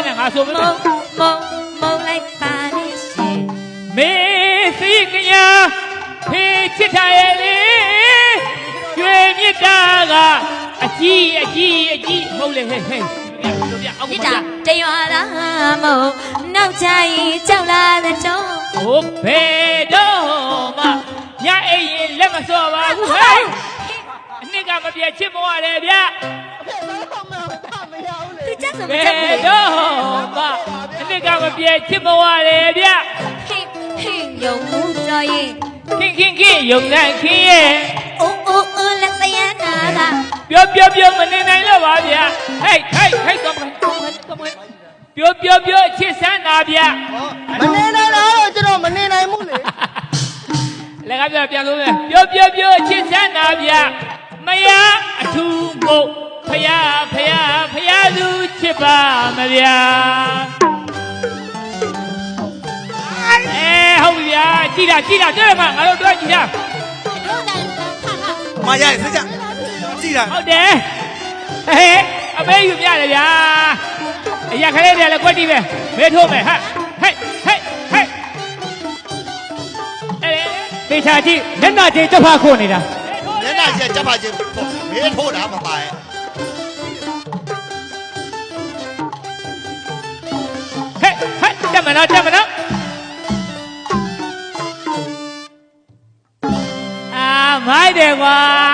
နဲ့ငါဆိုမလို့မုံလိုက်ပါလေရှင်မေစိတ်ကညာဖေးချစ်ထားရဲ့လေကျွေမြစ်တာကအကြီးမဟုတ်လေဟဲ့မြစ်တာတရွာလားမုံနောက်ချရင်ကြောက်လာတဲ့တော့ဟိုဘယ်တော့မှညအိမ်ရင်လက်မစော့ပါဘူးဟဲ့အနှစ်ကမပြည့်ချစ်မဝတယ်ဗျသူချက်ဆိုမဘချက်ယ်ဘူးတော့မှအနှစ်ကမပြည့်ချစ်မဝတယ်ဗျဟင်းယုံမှုတော်ရင်ခင်ယုံနိုင်ခင်ရဲ့အိုးလက်သရနာကပြောမနေနိုင်တော့ပါဗျဟဲ့တော့ပြောချစ်စမ်းတာဗျမနေနိုင်တော့ကျွန်တော်မနေနိုင်ဘူးလေလည်းကပြန်လို့မယ်ပြောချစ်စမ်းတာဗျမယားအထူးမို့ဖယားသူချစ်ပါမဗျာဟုတ်ပြီဗျာကြည့်တာတွေ့မှာငါတို့တွေ့ကြည့်တာမရစကြကြည့်တာဟုတ်တယ်ဟဲ့အမေယူပြတယ်ဗျာအရာခလေးတွေလည်းကွက်တီးပဲမဲထိုးမယ်ဟဲ့သေချာကြည့်မျက်နှာချင်းချက်ဖခုနေတာမျက်နှာချင်းချက်ဖချင်းမဲထိုးတာမပါရဲ့တက်မနော်မိုက်တယ်ကွာ